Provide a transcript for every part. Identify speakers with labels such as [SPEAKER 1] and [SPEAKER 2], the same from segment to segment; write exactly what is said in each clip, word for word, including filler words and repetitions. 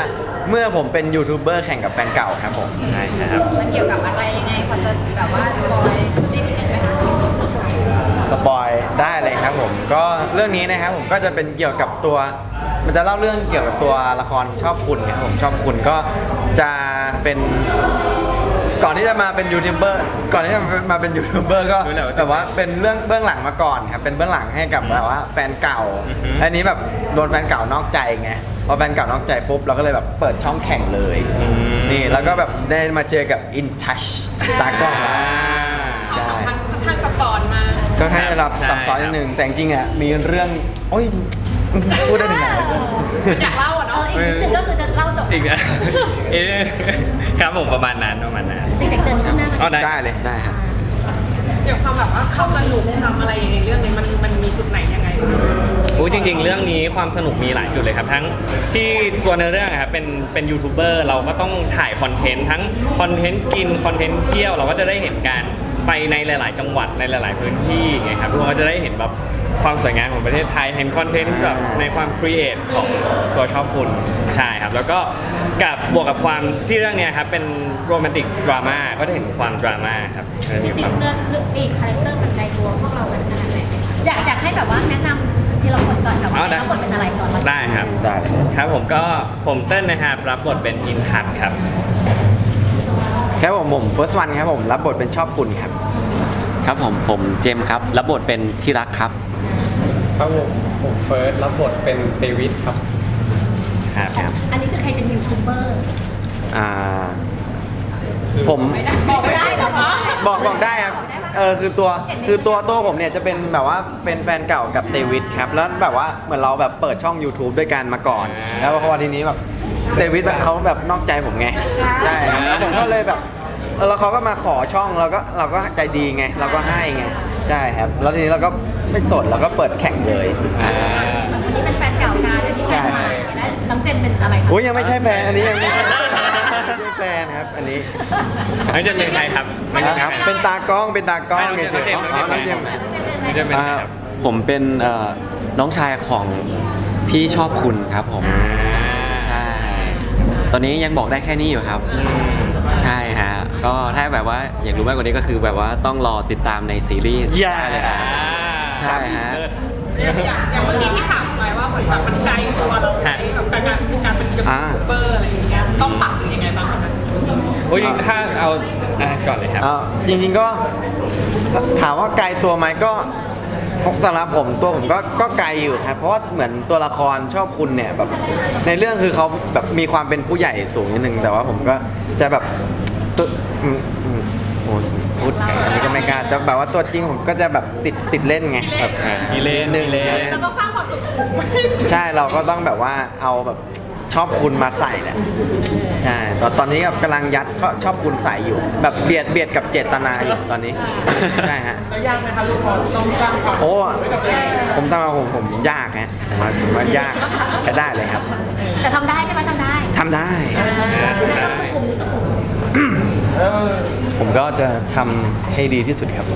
[SPEAKER 1] เมื่อผมเป็นยูทูบเบอร์แข่งกับแฟนเก่าครับผมใช่ครับ
[SPEAKER 2] มันเกี่ยวกับอะไรยังไงพอจะแบบว่าสปอยได้นิดนึงไหมคะ
[SPEAKER 1] สปอยได้เลยครับผมก็เรื่องนี้นะครับผมก็จะเป็นเกี่ยวกับตัวมันจะเล่าเรื่องเกี่ยวกับตัวละครชอบคุณครับผมชอบคุณก็จะเป็นก่อนที่จะมาเป็นยูทูบเบอร์ก่อนที่จะมาเป็นยูทูบเบอร์ก็แบบว่าเป็นเรื่องเบื้องหลังมาก่อนครับเป็นเบื้องหลังให้กับแบบว่าแฟนเก่าอันนี้แบบโดนแฟนเก่านอกใจไงพอแฟนเก่านอกใจปุ๊บเราก็เลยแบบเปิดช่องแข่งเลยนี่แล้วก็แบบได้มาเจอกับ In Touch ตากล้องใช่
[SPEAKER 2] ค่อนข้างซับซ้อนมาก
[SPEAKER 1] ก็ให้รับซับซ้อนนิดนึงแต่จริงๆอ่ะมีเรื่องโอ้ยพูดได้ถึงไหน
[SPEAKER 2] อยากเล่าอ่ะเนาะ
[SPEAKER 3] อีกนิดนึงก็คือจะเล่าจบ
[SPEAKER 4] อีกนะครับผมประมาณนั้นประมาณนั้น
[SPEAKER 3] เด็กๆเดินขึ้นหน้า
[SPEAKER 4] อ๋อ
[SPEAKER 1] ได้เลยได้ครับ
[SPEAKER 2] เดี๋ยวความแบบว่าเข้าสนุกทำอะไรในเรื่องนี้มันมันมีจุดไหนยังไง
[SPEAKER 4] อู้จริงๆเรื่องนี้ความสนุกมีหลายจุดเลยครับทั้งที่ตัวในเรื่องครับเป็นเป็นยูทูบเบอร์เราก็ต้องถ่ายคอนเทนต์ทั้งคอนเทนต์กินคอนเทนต์เที่ยวเราก็จะได้เห็นการไปในหลาย ๆ จังหวัดในหลาย ๆ พื้นที่ไงครับทุกคนก็จะได้เห็นแบบความสวยงามของประเทศไทยเห็นคอนเทนต์แบบในความครีเอทของตัวชอบคุณใช่ครับแล้วก็กับบวกกับความที่เรื่องนี้ครับเป็นโรแมนติกดราม่าก็จะเห็นความดราม่าครับ
[SPEAKER 3] จริงๆเรื่องเรื่องอีกคาแรคเตอร์มันใจตัวพวกเราเป็นขนาดไหนอยากอยากให้แบบว่าแนะนำที่เราบทก่อนกับว่าเราบทเป็นอะไรก่อน
[SPEAKER 4] ได้ครับ
[SPEAKER 1] ได้
[SPEAKER 4] ครับผมก็ผมเต้นนะครับรับบทเป็นอินทัศน์ครับ
[SPEAKER 1] ครับผมผม first one ครับผมรับบทเป็นชอบคุณครับ
[SPEAKER 5] ครับผมผมเจมครับรับบทเป็นที่รักครับ
[SPEAKER 6] ครับผมผมเฟิร์สรับบทเป็นเดวิดครับ
[SPEAKER 4] ครับ
[SPEAKER 3] อันนี้คือใครเป็นยูทูบเบอร์
[SPEAKER 1] อ่าผม
[SPEAKER 2] บอกไม่ได้หรอคะ
[SPEAKER 1] บอกบอกได้ครับเออคือตัวคือตัวตัวผมเนี่ยจะเป็นแบบว่าเป็นแฟนเก่ากับเดวิดครับแล้วแบบว่าเหมือนเราแบบเปิดช่อง YouTube ด้วยกันมาก่อน แล้วพอทีนี้แบบเดวิดเขาแบบนอกใจผมไงใช่แล้วผมก็เลยแบบแล้วเขาก็มาขอช่องเราก็เราก็ใจดีไงเราก็ให้ไงใช่ครับแล้วทีนี้เราก็ไม่สนเราก็เปิดแข่งเลย
[SPEAKER 3] สองคนนี้เป็นแฟนเก่ากันอันนี้แฟนใหม่และน้องเจมเป็นอะไร
[SPEAKER 1] โอ้ยยังไม่ใช่แฟนอันนี้ยังไม่ใช่แฟนครับอันนี้
[SPEAKER 4] น้องเจมเป็นใครครับ
[SPEAKER 1] ครับเป็นตากล้องเป็นตากล้อง
[SPEAKER 4] น้องเจมน้องเจมน้องเจมเป็นใครครับ
[SPEAKER 5] ผมเป็นน้องชายของพี่ชอบคุณครับผมใช่ตอนนี้ยังบอกได้แค่นี้อยู่ครับใช่ฮะก็ถ้าแบบว่าอยากรู้มากกว่านี้ก็คือแบบว่าต้องรอติดตามในซีรีส์
[SPEAKER 1] เลยนะ
[SPEAKER 5] ใช่ฮะ
[SPEAKER 2] อย่างเมื่อกี้ที่ถามไปว่าเหมือนแบบมันไกลตัวเราแบบการการการเป็นยูทูบเบอร์อะไรอย่างเงี้ยต้องปรับยังไงบ้างครับ
[SPEAKER 4] โอ้ยถ้าเอาก่อนเลยครับ
[SPEAKER 1] จริงๆก็ถามว่าไกลตัวไหมก็สำหรับผมตัวผมก็ก็ไกลอยู่ครับเพราะว่าเหมือนตัวละครชอบคุณเนี่ยแบบในเรื่องคือเขาแบบมีความเป็นผู้ใหญ่สูงนิดนึงแต่ว่าผมก็จะแบบตัวโอ้พูดอันนี้ก็ไม่กล้าจะแบบว่าตัวจริงผมก็จะแบบติดติดเล่นไงแบบ
[SPEAKER 4] ทีเล่น
[SPEAKER 1] นึงเลย
[SPEAKER 2] แล้วก็สร้างความสุข
[SPEAKER 1] ใช่เราก็ต้องแบบว่าเอาแบบชอบคุณมาใส่แหละใช่ตอนตอนนี้แบบกำลังยัดเขาชอบคุณใส่อยู่แบบเบียดเบียดกับเจตนาอยู่ตอนนี้ใช่ฮะ
[SPEAKER 2] ยากไหมคะลูกพอต้องสร้างความ
[SPEAKER 1] โอ้ผมตั้งมาผมผมยากฮะผมว่าผมว่ายากใช้ได้เลยครับ
[SPEAKER 3] แต่ทำได้ใช่ไหมทำได้
[SPEAKER 1] ทำได้
[SPEAKER 3] สุขุมหรือสุขุม
[SPEAKER 1] ผมก็จะทำให้ดีที่สุดครับ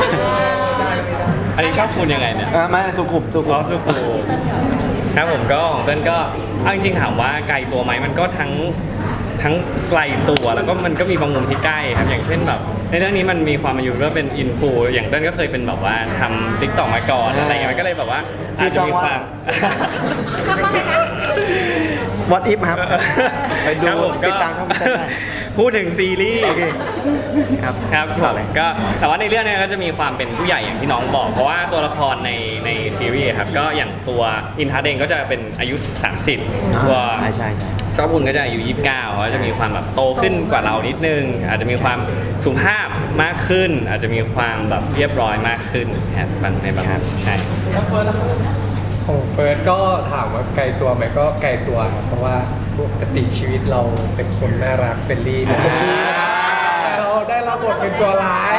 [SPEAKER 4] อันนี้ชอบคุณยังไงเนี่ย
[SPEAKER 1] ไม่สุขุมสุขุม
[SPEAKER 4] สุขุมครับผมก็ของเต้นก็เอาจริงๆถามว่าไกลตัวไหมมันก็ทั้งทั้งไกลตัวแล้วก็มันก็มีบางมุมที่ใกล้ครับอย่างเช่นแบบในเรื่องนี้มันมีความมาอยู่ว่าเป็นอินฟูอย่างเต้นก็เคยเป็นแบบว่าทำติ๊กต็อกมาก่อนอะไรอย่างเงี้ยมันก็เลยแบบว่าอาจจะมีความ
[SPEAKER 3] ชอบมากเลยครับ
[SPEAKER 1] What if ครับไปดูติดตามช่องเต้นได้
[SPEAKER 4] พูดถึงซีรีส์
[SPEAKER 1] ครับ
[SPEAKER 4] ครับก็แต่ว่าในเรื่องนี้ก็จะมีความเป็นผู้ใหญ่อย่างที่น้องบอกเพราะว่าตัวละครในในซีรีส์ครับก็อย่างตัวอินทัศน์เองก็จะเป็นอายุสามสิบตัว
[SPEAKER 1] ใช่ใช่
[SPEAKER 4] ชอบคุณก็จะอายุยี่สิบเก้าเขาจะมีความแบบโตขึ้นกว่าเรานิดนึงอาจจะมีความสุภาพมากขึ้นอาจจะมีความแบบเรียบร้อยมากขึ้นครับบางในบางใช่
[SPEAKER 6] ของเฟิร์สก็ถามว่าไกลตัวไหมก็ไกลตัวครับเพราะว่าปกติชีวิตเราเป็นคนน่ารักเฟรนลี่แต่เราได้รับบทเป็นตัวร้าย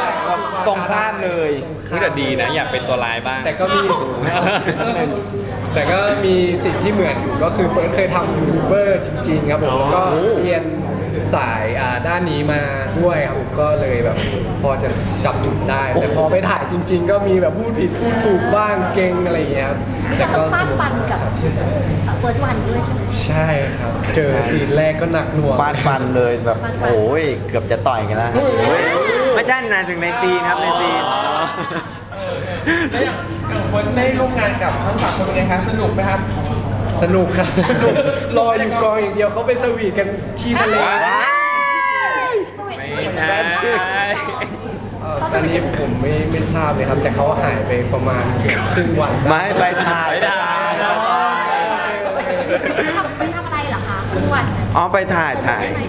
[SPEAKER 1] ตรงข้ามเลย
[SPEAKER 4] นี่แต่ดีนะอยากเป็นตัวร้ายบ้าง
[SPEAKER 6] แต่ก็มีแแต่ก็มีสิ่งที่เหมือนอยู่ก็คือเฟิร์สเคยทำยูทูบเบอร์จริงๆครับผมแล้วก็เรียนสายอ่าด้านนี้มาด้วยครับผมก็เลยแบบพอจะจับจุดได้แต่พอไปถ่ายจริง ๆ ก็มีแบบพูดผิดพูดถูกบ้างเก่งอะไรอย่างเงี้ยครับ
[SPEAKER 3] นี่
[SPEAKER 6] แต่
[SPEAKER 3] เรา
[SPEAKER 6] ก็
[SPEAKER 3] ต้องฟา
[SPEAKER 6] ส
[SPEAKER 3] ด
[SPEAKER 6] นุก
[SPEAKER 3] ฟันกับเฟิร์สวันด้วยใช่ไหม
[SPEAKER 6] ใช่ครับ เจอซีนแรกก็หนักหน่วง
[SPEAKER 1] ฟาดฟันเลยแบบโอ้ยเกือบจะต่อยกันแล้วโอ้ยไม่ใช่นะถึงในซีนครับในซีน
[SPEAKER 7] แล้วอย่างอย่างคนได้ร่วมงานกับทั้งสามคนเป็นไงคะสนุกไหมครับ
[SPEAKER 6] สนุกครับสนุกรออยู่กองอย่างเดียวเขาไปสวีทกันที่ทะเล
[SPEAKER 3] สวีท
[SPEAKER 4] ไม่
[SPEAKER 3] สวีท
[SPEAKER 4] ใช่
[SPEAKER 6] เอ่ออันนี้ผมไม่ไม่ทราบเลยครับ แต่เขาหายไปประมาณเกือบครึ่งวัน
[SPEAKER 1] ไม่ไปถ่าย
[SPEAKER 4] ไม่ได้
[SPEAKER 3] ไปทำไปทำอะไรเหรอคะครึ่งวันเนี่ย
[SPEAKER 1] อ๋อไปถ่ายถ่าย
[SPEAKER 3] ได้ไหม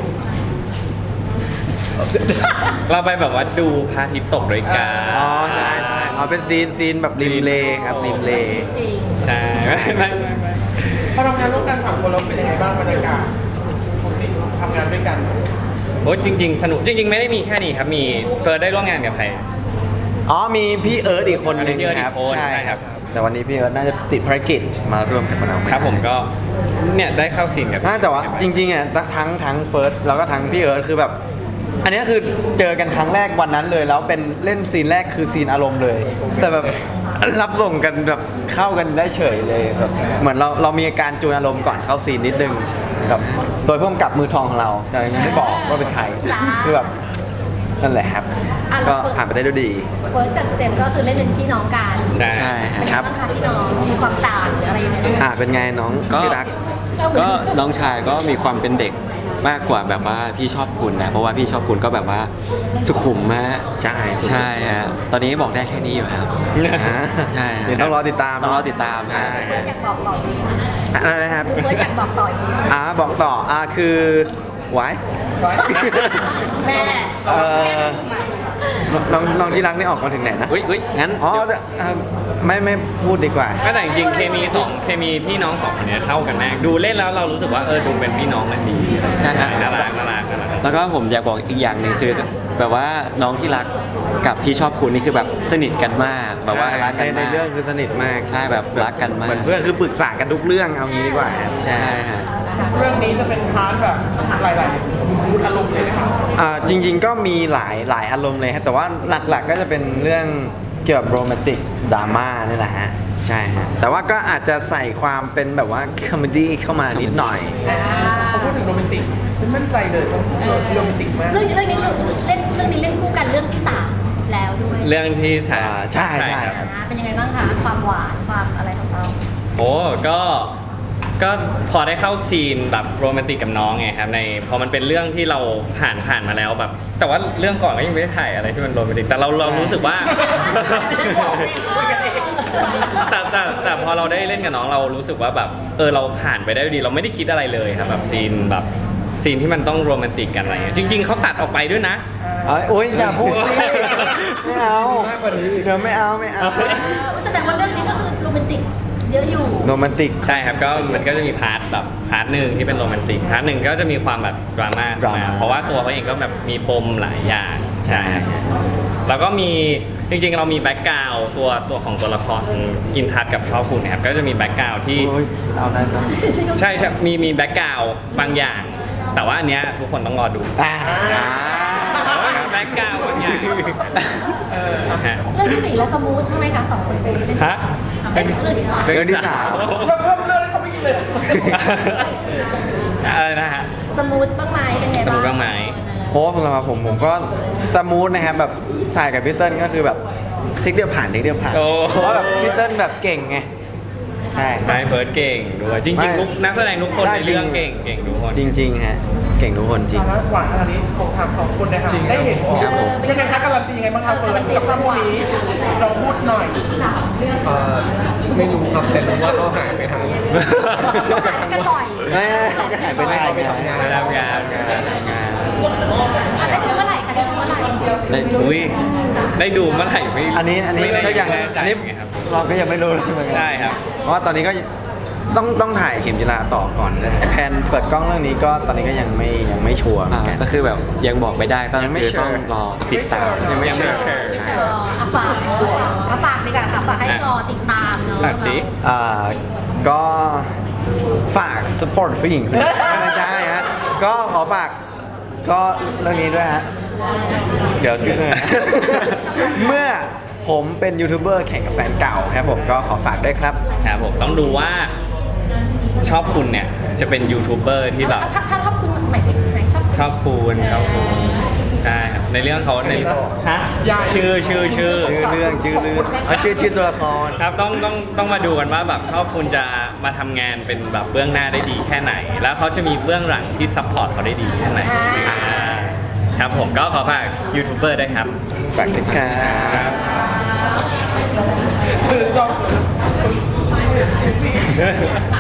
[SPEAKER 4] เราไปแบบว่าดูพระอาทิตย์ตกด้วยกัน
[SPEAKER 1] อ๋อใช่ใช่อ๋อเป็นซีนซีนแบบริมเลครับริมเล
[SPEAKER 3] จริง
[SPEAKER 4] ใช่ไม่ไม่ไม่ไม่
[SPEAKER 7] พอทำงานร่วมกันสามคนแล้วเป็นยังไงบ้างบรรยากาศปกติทำงานด้วยกัน
[SPEAKER 4] โอ้ยจริง ๆ สนุกจริง ๆ ไม่ได้มีแค่นี้ครับมีเฟิร์สได้ร่วมงานกับใคร
[SPEAKER 1] อ๋อมีพี่เอิร์ธอีกคนนึง
[SPEAKER 4] พี่เอิร์ธอี
[SPEAKER 1] ครับ
[SPEAKER 4] กคน
[SPEAKER 1] ใช่
[SPEAKER 4] ใช่
[SPEAKER 1] ค
[SPEAKER 4] ครั
[SPEAKER 1] รับ
[SPEAKER 4] บ
[SPEAKER 1] แต่วันนี้พี่เอิร์ธน่าจะติดภารกิจมาร่วมกับเราไม่
[SPEAKER 4] ครับผม
[SPEAKER 1] ได้
[SPEAKER 4] ก็เนี่ยได้เข้าซีนกับ
[SPEAKER 1] น่าแต่ว่าจริงๆอ่ะทั้งทั้งเฟิร์สแล้วก็ทั้งพี่เอิร์ธคือแบบ อันนี้คือเจอกันครั้งแรกวันนั้นเลยแล้วเป็นเล่นซีนแรกคือซีนอารมณ์เลย แต่แบบรับส่งกันแบบเข้ากันได้เฉยเลยแบบเหมือนเราเรามีอาการจูนอารมณ์ก่อนเข้าซีนนิดนึงแบบโดยพ่วงกับมือทองของเราแต่ยังไม่บอกว่าเป็นใครคือแบบนั่นแหละครับ ก็ผ่านไปได้ด้วยดี
[SPEAKER 3] เฟิร์สกับเจมส์ก็คือเล่นเป็นพี่น้องกัน
[SPEAKER 4] ใช่
[SPEAKER 5] ใช่
[SPEAKER 3] เป็นไง
[SPEAKER 1] ครับ
[SPEAKER 3] บ้างคะพี่น้องมีความต่างหรืออะไรยังไงบ้าง
[SPEAKER 1] อ่าเป็นไงน้อง
[SPEAKER 5] ก็
[SPEAKER 1] ที่รัก
[SPEAKER 5] ก็น้องชายก็มีความเป็นเด็กมากกว่าแบบว่าพี่ชอบคุณนะ เพราะว่าพี่ชอบคุณก็แบบว่าสุขุมมาก
[SPEAKER 1] ใช่สุขุม
[SPEAKER 5] ใช่ฮะตอนนี้บอกได้แค่นี้อยู่ครับ
[SPEAKER 1] อ่า
[SPEAKER 5] ใช่ฮะ
[SPEAKER 1] เดี๋ยวต้องรอติดตาม
[SPEAKER 5] ต้องรอติดตาม
[SPEAKER 1] ใช่
[SPEAKER 3] เฟิร์สอยากบอกต่ออีกนิดนึง
[SPEAKER 1] อะไรนะครับ
[SPEAKER 3] เฟิร์สอยากบอกต่ออีกนิดนึง
[SPEAKER 1] อ่าบอกต่ออ่าคือไว้
[SPEAKER 3] แม่
[SPEAKER 1] เอ่อน้องน้องที่รักนี่ออกมาถึงไหนนะ
[SPEAKER 5] อุ้ยอุ้ยงั้น
[SPEAKER 1] อ๋อ
[SPEAKER 5] เดี๋ยว
[SPEAKER 1] เอ่อไม่ไม่พูดดีกว่า
[SPEAKER 4] ก็แต่จริงๆเคมีสองเคมีพี่น้องสองคนเนี้ยเข้ากันมากดูเล่นแล้วเรารู้สึกว่าเออดูเป็นพี่น้องกันดี
[SPEAKER 5] ใช่ฮะ
[SPEAKER 4] น่ารักน่ารักน่ารัก
[SPEAKER 5] แล้วก็ผมอยากบอกอีกอย่างหนึ่งคือแบบว่าน้องที่รักกับพี่ชอบคุณนี่คือแบบสนิทกันมากแบบว่ารัก
[SPEAKER 1] ใน
[SPEAKER 5] กัน
[SPEAKER 1] ใน
[SPEAKER 5] มาก
[SPEAKER 1] เรื่องคือสนิทมาก
[SPEAKER 5] ใช่แบบรักกันมาก
[SPEAKER 1] เหมือนเพื่อนคือปรึกษากันทุกเรื่องเอางี้ดีกว่าครับใช่
[SPEAKER 5] ใช่ฮะ
[SPEAKER 7] เรื่องนี้จะเป็นพาร์ทแบบหลายๆมูดอารมณ์เลยนะครับ
[SPEAKER 1] อ่าจริง ๆ ก็มีหลายหลายอารมณ์เลยครับแต่ว่าหลักๆก็จะเป็นเรื่องเกี่ยวกับโรแมนติกดราม่านี่แหละฮะใช่ฮะแต่ว่าก็อาจจะใส่ความเป็นแบบว่าคอมเมดี้เข้ามานิดหน่อย
[SPEAKER 7] พอพูดถึงโรแมนติกฉันมั่นใจเลยว่าโรแมนติกมาก
[SPEAKER 3] เรื่องนี้เรื่องนี้เล่นเรื่องนี้เล่นคู่กันเรื่องที่สามแล้วด้วย
[SPEAKER 4] เรื่องที่สาม
[SPEAKER 1] อ่าใช่ใช่
[SPEAKER 4] ครับ
[SPEAKER 3] นะเป็นยังไงบ้างคะความหวานความอะไรของเรา
[SPEAKER 4] โอ้ก็ก็พอได้เข้าซีนแบบโรแมนติกกับน้องไงครับในพอมันเป็นเรื่องที่เราผ่านผ่านมาแล้วแบบ แต่ว่าเรื่องก่อนก็ยังไม่ได้ถ่ายอะไรที่มันโรแมนติกแต่เราเรารู้สึกว่า แต่แต่แต่พอเราได้เล่นกับน้องเรารู้สึกว่าแบบเออเราผ่านไปได้ด้วยดีเราไม่ได้คิดอะไรเลยครับแบบซีนแบบซีนที่มันต้องโรแมนติกกันอะไรเงี้ยจริง ๆเขาตัดออกไปด้วยนะ
[SPEAKER 1] เอ้ยโอ๊ยอย่าพูดดิไม่เอา
[SPEAKER 6] มากกว่านี้อีก
[SPEAKER 1] เดี๋ยวไม่เอาไม่เอา
[SPEAKER 3] แสดงว่าเรื่องนี้ก็คือโรแมนติกเยอะอยู่
[SPEAKER 1] โรแมนติก
[SPEAKER 4] ใช่ครับก็มันก็จะมีพาร์ทแบบพาร์ทหนึ่งที่เป็นโรแมนติกพาร์ทหนึ่งก็จะมีความแบบดราม่า
[SPEAKER 1] ดราม่า
[SPEAKER 4] เพราะว่าตัวเขาเองก็แบบมีปมหลายอย่างใช่ครับแล้วก็มีจริงๆเรามีแบ็กกราวด์ตัวตัวของตัวละครอินทัศกับชอบคุณนะครับก็จะมีแบ็กกราวด์ที่
[SPEAKER 1] โอ๊ยเอาได้ต้อง
[SPEAKER 4] ใช่ใช่มีมีแบ็กกราวด์บางอย่าง แต่ว่าอันเนี้ยทุกคนต้องรอดู
[SPEAKER 1] อ่า
[SPEAKER 4] แบ็กกราวด์บางอย่างฮะ
[SPEAKER 3] เรื่องที่สี่แล้วสมูททำไมคะสองคนเป็นเล่น
[SPEAKER 4] ฮะ
[SPEAKER 3] เล่นเรื่องที่สาม
[SPEAKER 1] เรื่องที่สาม
[SPEAKER 7] เพิ่มเพิ่มเรื่องให้เขาไม่กินเลย
[SPEAKER 4] อะไรนะฮะ
[SPEAKER 3] สมูทบ้างไหมเป็นไง
[SPEAKER 4] ส
[SPEAKER 3] บ้าง
[SPEAKER 4] มูทบ้างไหม
[SPEAKER 1] เพราะว่าสำหรับผมผมก็สมูทนะครับแบบสายกับพี่เติ้ลก็คือแบบเทคเดียวผ่านเทคเดียวผ่าน
[SPEAKER 4] โอ้
[SPEAKER 1] เพราะว่าแบบพี่เติ้ลแบบเก่งไงใช่
[SPEAKER 4] ไมเฟิร์สเก่งด้วยจ
[SPEAKER 1] ไม่
[SPEAKER 4] ริงๆทุกนักแสดงทุกคน
[SPEAKER 1] ใช่
[SPEAKER 4] ในเรื่อง
[SPEAKER 1] จริ
[SPEAKER 4] เก่
[SPEAKER 1] ง
[SPEAKER 4] งเก่งทุกคน
[SPEAKER 1] จริง ๆ ฮะ เก่งทุกคนจริง
[SPEAKER 7] สาระหวานขนาดนี้ผมถามสองคนนะครับได้เห็นยังไงคะการันตียังไงบ้างครับเฟิร์นกับคู่นี้เราพูดหน่อย
[SPEAKER 6] เอ่อไม่รู้ครับแต่รู้ว่าเขาหายไปทาง
[SPEAKER 3] หายกันบ่อย
[SPEAKER 1] ไม่ไม่หายไปไหน
[SPEAKER 6] เขาไปทำงาน
[SPEAKER 4] ไปทำงาน
[SPEAKER 1] งาน
[SPEAKER 3] อ่ะได้ดูเมื่อไหร่คะได้ดูเมื่อไหร่
[SPEAKER 1] ได้
[SPEAKER 4] อุ้ยได้ดูเมื่อไหร่ไม่
[SPEAKER 1] อันนี้อันนี้
[SPEAKER 4] ไม่ได้
[SPEAKER 1] ก็ยัง
[SPEAKER 4] แน่ใจ
[SPEAKER 1] อันนี้
[SPEAKER 4] ไงครับ
[SPEAKER 1] เราก็ยังไม่รู้เลยเหมือนกั
[SPEAKER 4] ใช่ครับ
[SPEAKER 1] เพราะว่าตอนนี้ก็ต้องต้องถ่ายเข็มจีราต่อก่อนนะแผนเปิดกล้องเรื่องนี้ก็ตอนนี้ก็ยังไม่ยังไม่ชัวร์เหมื
[SPEAKER 5] อ่า
[SPEAKER 1] อนกัน
[SPEAKER 5] ก็คือแบบยังบอกไม่ได้ก็
[SPEAKER 1] ยังไม่
[SPEAKER 5] คือ
[SPEAKER 1] sure
[SPEAKER 5] ต้องรอติดตาม
[SPEAKER 1] ยังไม่
[SPEAKER 4] ยังไม่
[SPEAKER 1] เชื่อ
[SPEAKER 4] เชื่อ
[SPEAKER 1] ใช่
[SPEAKER 3] เอออ่ะฝากมาฝากดีกว่าค่ะฝากให้รอติดตามเนาะ
[SPEAKER 4] ตัดสิ
[SPEAKER 1] อ่าก็ฝาก support ผู้หญิงคนนี้ไม่ใช่ฮะก็ขอฝากก็เรื่องนี้ด้วยฮะเดี๋ยวชื่อเรื่องอะไรนะ เมื่อผมเป็นยูทูบเบอร์แข่งกับแฟนเก่าครับผมก็ขอฝากด้วยครับ
[SPEAKER 4] ครับผมต้องดูว่าชอบคุณเนี่ยจะเป็นยูทูบเบอร์ที่แบบ
[SPEAKER 3] ถ้าถ้าชอบคุณหมายสิไหนชอบ
[SPEAKER 4] ชอบคุณชอบคุณใช่ครับในเรื่องเขาในฮะชื่อชื่อชื่อ
[SPEAKER 1] ชื่อเรื่องชื่อเรื่องเอาชื่อชื่อตัวละคร
[SPEAKER 4] ครับต้องต้องต้องมาดูกันว่าแบบชอบคุณจะมาทำงานเป็นแบบเบื้องหน้าได้ดีแค่ไหน แล้วเขาจะมีเบื้องหลังที่ซัพพอร์ตเขาได้ดีแค่ไหนอ่าครับผมก็ขอฝากยูทูบเบอร์ด้วยครับ
[SPEAKER 1] ฝากด้วยครับ
[SPEAKER 7] คือจอง